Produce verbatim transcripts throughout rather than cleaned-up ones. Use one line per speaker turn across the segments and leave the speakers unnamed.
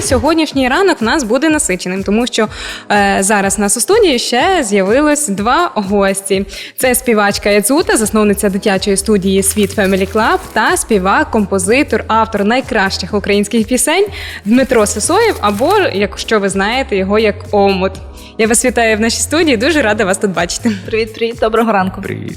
сьогоднішній ранок у нас буде насиченим, тому що е, зараз у нас у студії ще з'явилось два гості. Це співачка Яцута, засновниця дитячої студії «Світ Family Club» та співак, композитор, автор найкращих українських пісень Дмитро Сисоєв, або, якщо ви знаєте, його як Омут. Я вас вітаю в нашій студії, дуже рада вас тут бачити.
Привіт-привіт, доброго ранку.
Привіт.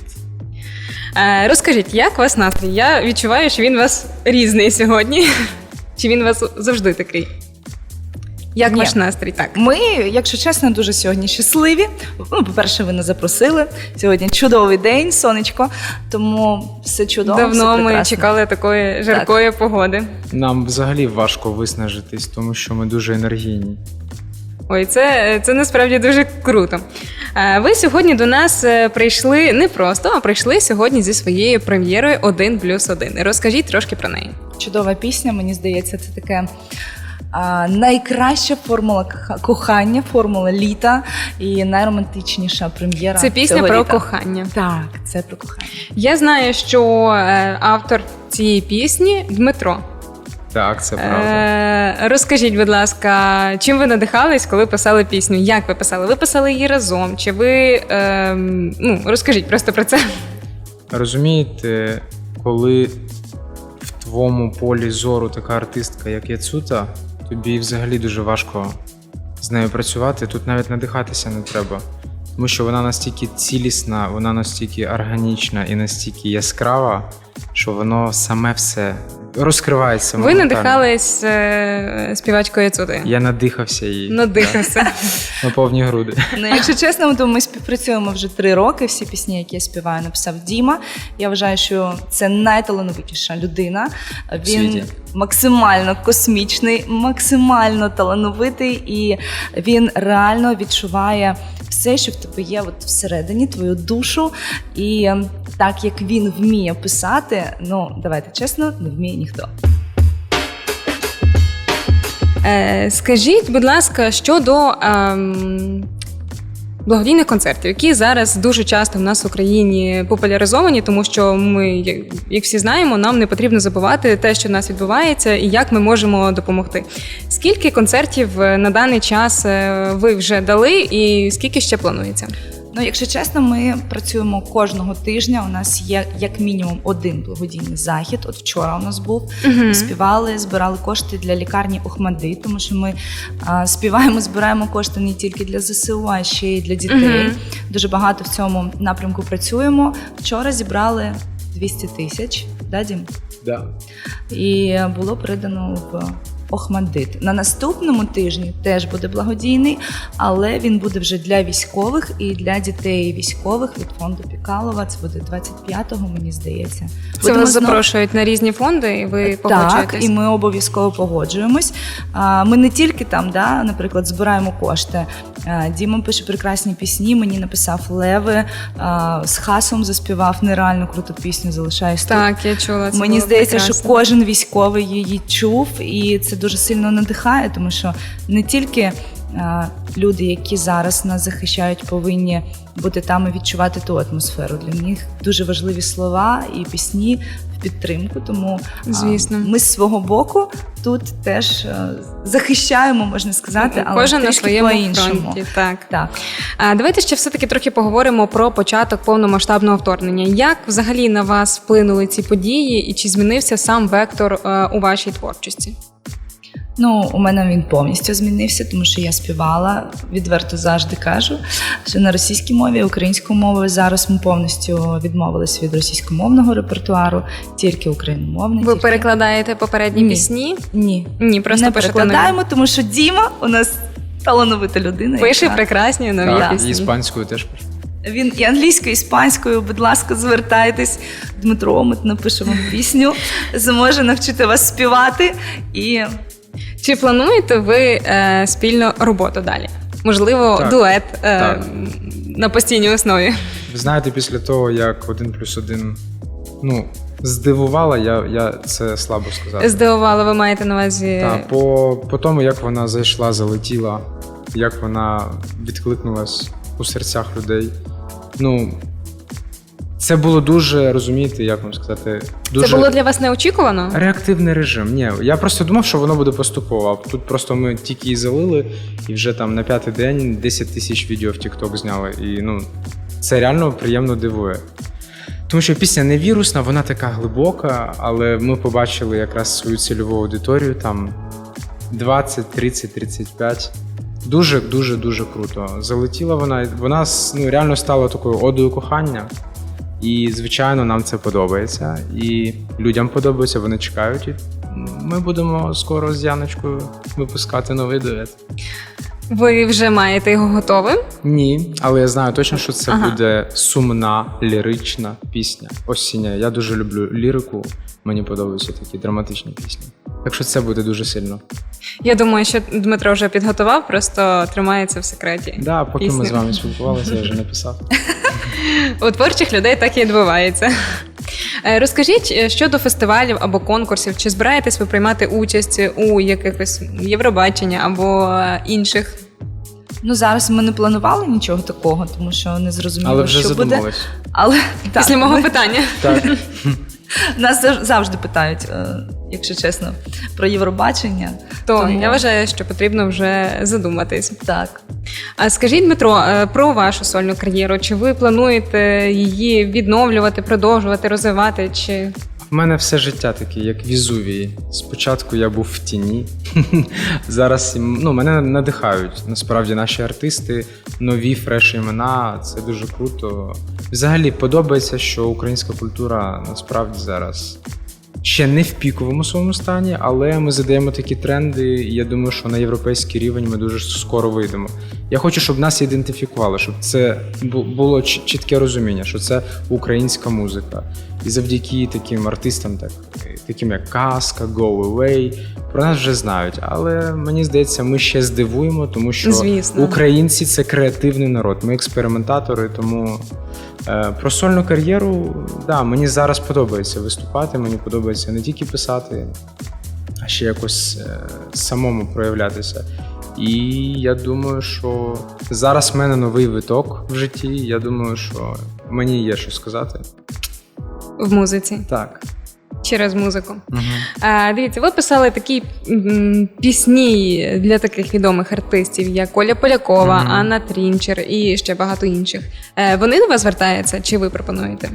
Е, розкажіть, як у вас настрій? Я відчуваю, що він у вас різний сьогодні. Чи він у вас завжди такий? Як
Ні.
ваш настрій? Так.
Ми, якщо чесно, дуже сьогодні щасливі. Ну, по-перше, ви нас запросили. Сьогодні чудовий день, сонечко, тому все чудово,
Давно
все
ми
прекрасно.
чекали такої жаркої погоди.
Нам взагалі важко виснажитись, тому що ми дуже енергійні.
Ой, це, це насправді дуже круто. Е, Ви сьогодні до нас е, прийшли не просто, а прийшли сьогодні зі своєю прем'єрою «Один плюс один». Розкажіть трошки про неї.
Чудова пісня, мені здається, це таке а, найкраща формула кох- кохання, формула літа і найромантичніша прем'єра
Це пісня
цього
про
літа.
кохання.
Так, це про кохання.
Я знаю, що е, автор цієї пісні Дмитро.
Так, це правда.
Е, розкажіть, будь ласка, чим ви надихались, коли писали пісню? Як ви писали? Ви писали її разом? Чи ви е, ну розкажіть просто про це?
Розумієте, коли в твоєму полі зору така артистка, як Яцута, тобі взагалі дуже важко з нею працювати. Тут навіть надихатися не треба. Тому що вона настільки цілісна, вона настільки органічна і настільки яскрава, що воно саме все розкривається.
Ви
моментально.
надихались е, співачкою Яцутою?
Я надихався її.
Надихався.
Так, на повні груди.
Ну, якщо чесно, то ми співпрацюємо вже три роки. Всі пісні, які я співаю, написав Діма. Я вважаю, що це найталановитіша людина. Він
світі.
максимально космічний, максимально талановитий, і він реально відчуває все, що в тебе є от всередині, твою душу. І так як він вміє писати, ну давайте чесно, не вміє ніхто.
Е, скажіть, будь ласка, щодо ем, благодійних концертів, які зараз дуже часто в нас в Україні популяризовані, тому що ми, як- як всі знаємо, нам не потрібно забувати те, що в нас відбувається, і як ми можемо допомогти. Скільки концертів е, на даний час е, ви вже дали, і скільки ще планується?
Ну, якщо чесно, ми працюємо кожного тижня. У нас є як мінімум один благодійний захід. От вчора у нас був. Ми співали, збирали кошти для лікарні Охмадит, тому що ми а, співаємо, збираємо кошти не тільки для зе се у, а ще й для дітей.
Мгм.
Дуже багато в цьому напрямку працюємо. Вчора зібрали двісті тисяч, да, Дім?
Да.
І було передано в Охмадит. На наступному тижні теж буде благодійний, але він буде вже для військових і для дітей військових від фонду Пікалова. Це буде двадцять п'ятого, мені здається.
Це
Будемо
вас
знов-
запрошують на різні фонди, і ви
Так,
погоджуєтесь?
і ми обов'язково погоджуємось. А, Ми не тільки там, да, наприклад, збираємо кошти. А, Діма пише прекрасні пісні, мені написав Леви, а, з Хасом заспівав нереально круту пісню «Залишаюсь тут».
Так, я чула. Це
Мені
було
здається,
прекрасно.
що кожен військовий її чув, і це дуже сильно надихає, тому що не тільки а, люди, які зараз нас захищають, повинні бути там і відчувати ту атмосферу. Для них дуже важливі слова і пісні в підтримку. Тому а,
Звісно.
ми з свого боку тут теж а, захищаємо, можна сказати, але
Кожен на
трішки
своєму
по-іншому.
фронті. Так.
Так.
А давайте ще все-таки трохи поговоримо про початок повномасштабного вторгнення. Як взагалі на вас вплинули ці події, і чи змінився сам вектор е, у вашій творчості?
Ну, у мене він повністю змінився, тому що я співала, відверто завжди кажу, що на російській мові, українською мовою зараз ми повністю відмовились від російськомовного репертуару, тільки україномовний.
Ви
тільки...
перекладаєте попередні
Ні.
пісні?
Ні,
Ні, просто
не
пишете
перекладаємо, тому що Діма у нас талановита людина.
нові. Пише
яка-
прекрасні нові
Так, і
пісні.
іспанською теж пишу.
Він і англійською, і іспанською, будь ласка, звертайтесь. Дмитро Омут напише вам пісню, зможе навчити вас співати і...
Чи плануєте ви е, спільну роботу далі? Можливо,
Так.
дует е,
Так.
на постійній основі?
Ви знаєте, після того, як один плюс один, ну, здивувала, я, я це слабо сказати.
Здивувало, ви маєте на увазі?
Так, по, по тому, як вона зайшла, залетіла, як вона відкликнулась у серцях людей. Ну, Це було дуже, розумієте, як вам сказати, дуже...
Це було для вас неочікувано?
Реактивний режим. Ні, я просто думав, що воно буде поступово. А тут просто ми тільки її залили, і вже там на п'ятий день десять тисяч відео в TikTok зняли. І ну, це реально приємно дивує. Тому що пісня не вірусна, вона така глибока, але ми побачили якраз свою цільову аудиторію, там двадцять, тридцять, тридцять п'ять. Дуже, дуже, дуже круто. Залетіла вона, вона ну, реально стала такою одою кохання. І, звичайно, нам це подобається. І людям подобається, вони чекають. І ми будемо скоро з Яночкою випускати новий дует.
Ви вже маєте його готовим?
Ні, але я знаю точно, що це
Ага.
буде сумна, лірична пісня. Осіння. Я дуже люблю лірику, мені подобаються такі драматичні пісні. Так що це буде дуже сильно.
Я думаю, що Дмитро вже підготував, просто тримається в секреті.
Да, поки
Пісня.
ми з вами спілкувалися, я вже написав.
У творчих людей так і відбувається. Е, Розкажіть е, щодо фестивалів або конкурсів, чи збираєтесь ви приймати участь у якихось Євробачення або е, інших?
Ну, зараз ми не планували нічого такого, тому що не зрозуміло,
Але вже
що буде.
задумались.
Але так,
Після мого
ми-
питання.
Так.
нас зав- завжди питають, е, якщо чесно, про Євробачення.
То
Тому-
я вважаю, що потрібно вже задуматись.
Так.
А скажіть, Дмитро, е, про вашу сольну кар'єру. Чи ви плануєте її відновлювати, продовжувати, розвивати? Чи
У мене все життя таке, як Візувій. Спочатку я був в тіні. Зараз ну, мене надихають. Насправді наші артисти, нові фреш імена. Це дуже круто. Взагалі подобається, що українська культура насправді зараз ще не в піковому своєму стані, але ми задаємо такі тренди, і я думаю, що на європейський рівень ми дуже скоро вийдемо. Я хочу, щоб нас ідентифікували, щоб це бу- було чіт- чітке розуміння, що це українська музика. І завдяки таким артистам, так, таким як Казка, Go Away, про нас вже знають. Але мені здається, ми ще здивуємо, тому що
Звісно.
українці – це креативний народ, ми експериментатори, тому е, про сольну кар'єру, да, мені зараз подобається виступати, мені подобається не тільки писати, а ще якось е, самому проявлятися. І я думаю, що зараз в мене новий виток в житті. Я думаю, що мені є що сказати.
в музиці?
Так.
Через музику.
Угу.
А, дивіться, ви писали такі м, пісні для таких відомих артистів, як Коля Полякова,
Мгм.
Анна Трінчер і ще багато інших. Е, вони до вас звертаються, чи ви пропонуєте?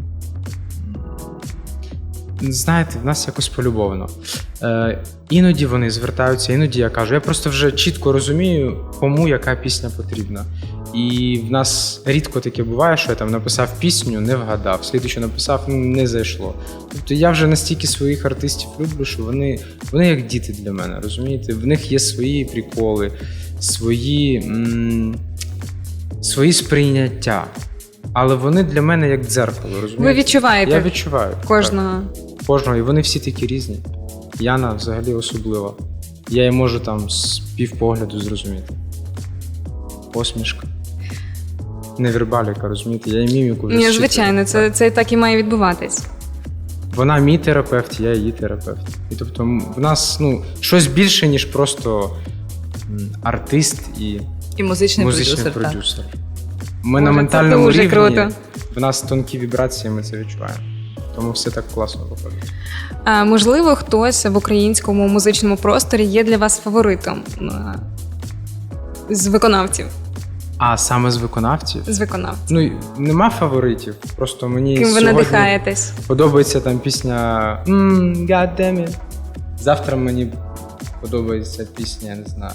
Знаєте, в нас якось полюбовано. Е, іноді вони звертаються, іноді я кажу. Я просто вже чітко розумію, кому яка пісня потрібна. І в нас рідко таке буває, що я там написав пісню, не вгадав, слідуючу написав, ну, не зайшло. Тобто я вже настільки своїх артистів люблю, що вони, вони як діти для мене, розумієте? В них є свої приколи, свої, м- свої сприйняття. Але вони для мене як дзеркало, розумієте?
Ви відчуваєте
Я відчуваю.
кожного.
Так, кожного, і вони всі такі різні. Яна взагалі особлива. Я її можу там з півпогляду зрозуміти. Посмішка. Невербаліка, розумієте? Я її міміку вже
Ні,
зчитую.
звичайно, це, це так і має відбуватись.
Вона мій терапевт, я її терапевт. І тобто м, в нас ну, щось більше, ніж просто м, артист і
І музичний,
музичний
продюсер. Так.
продюсер. Ми
Боже,
на
це
ментальному
дуже
рівні,
круто.
в нас тонкі вібрації, ми це відчуваємо. Тому все так класно виходить.
А, можливо, хтось в українському музичному просторі є для вас фаворитом а, з виконавців.
А саме з виконавців?
З виконавців.
Ну, й нема фаворитів, просто мені
Ким ви
сьогодні
надихаєтесь?
подобається там пісня «Mmm, God damn it». Завтра мені подобається пісня, я не знаю.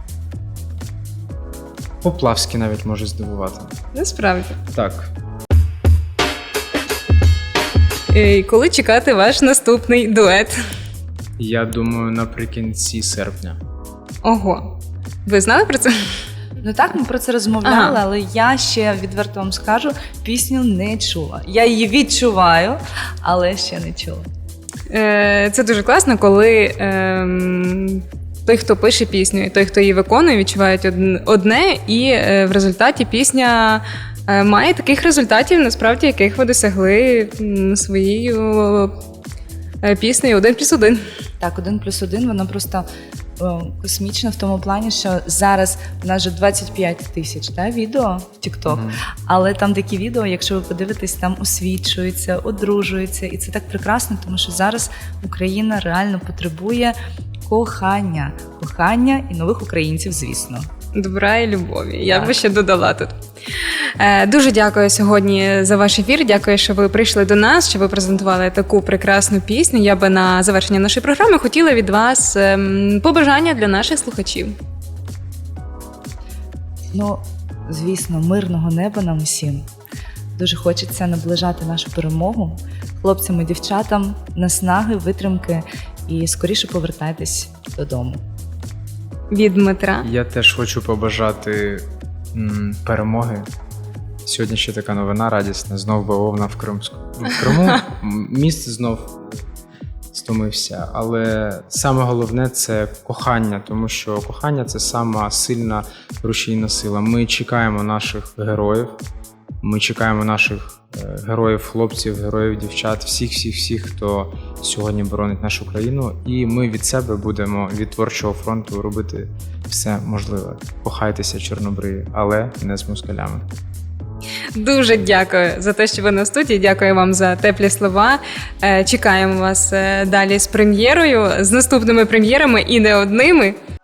Поплавський навіть може здивувати.
Насправді.
Так.
І коли чекати ваш наступний дует?
Я думаю, наприкінці серпня.
Ого. Ви знали про це?
Ну так, ми про це розмовляли,
Ага.
але я ще відверто вам скажу, пісню не чула. Я її відчуваю, але ще не чула.
Е, Це дуже класно, коли ем, той, хто пише пісню, і той, хто її виконує, відчувають одн- одне, і е, в результаті пісня е, має таких результатів, насправді, яких ви досягли м, своєю е, піснею один плюс один.
Так, один плюс один, вона просто о, космічна в тому плані, що зараз у нас вже двадцять п'ять тисяч та, відео в TikTok,
Мгм.
але там такі відео, якщо ви подивитесь, там освічуються, одружуються, і це так прекрасно, тому що зараз Україна реально потребує кохання, кохання і нових українців, звісно.
Добра і любові. Я
Так.
би ще додала тут. Е, Дуже дякую сьогодні за ваш ефір. Дякую, що ви прийшли до нас, що ви презентували таку прекрасну пісню. Я би на завершення нашої програми хотіла від вас ем, побажання для наших слухачів.
Ну, звісно, мирного неба нам усім. Дуже хочеться наближати нашу перемогу. Хлопцям і дівчатам наснаги, витримки і скоріше повертайтесь додому.
Від Дмитра.
Я теж хочу побажати м, перемоги. Сьогодні ще така новина радісна. Знов бавовна в Кримську. В Криму м, міст знов стомився. Але саме головне це кохання, тому що кохання це сама сильна рушійна сила. Ми чекаємо наших героїв. Ми чекаємо наших е, героїв, хлопців, героїв, дівчат, всіх, всіх, всіх, хто сьогодні боронить нашу країну. І ми від себе будемо від творчого фронту робити все можливе. Кохайтеся, чорнобриві, але не з москалями.
Дуже дякую за те, що ви на студії. Дякую вам за теплі слова. Е, Чекаємо вас е, далі з прем'єрою, з наступними прем'єрами і не одними.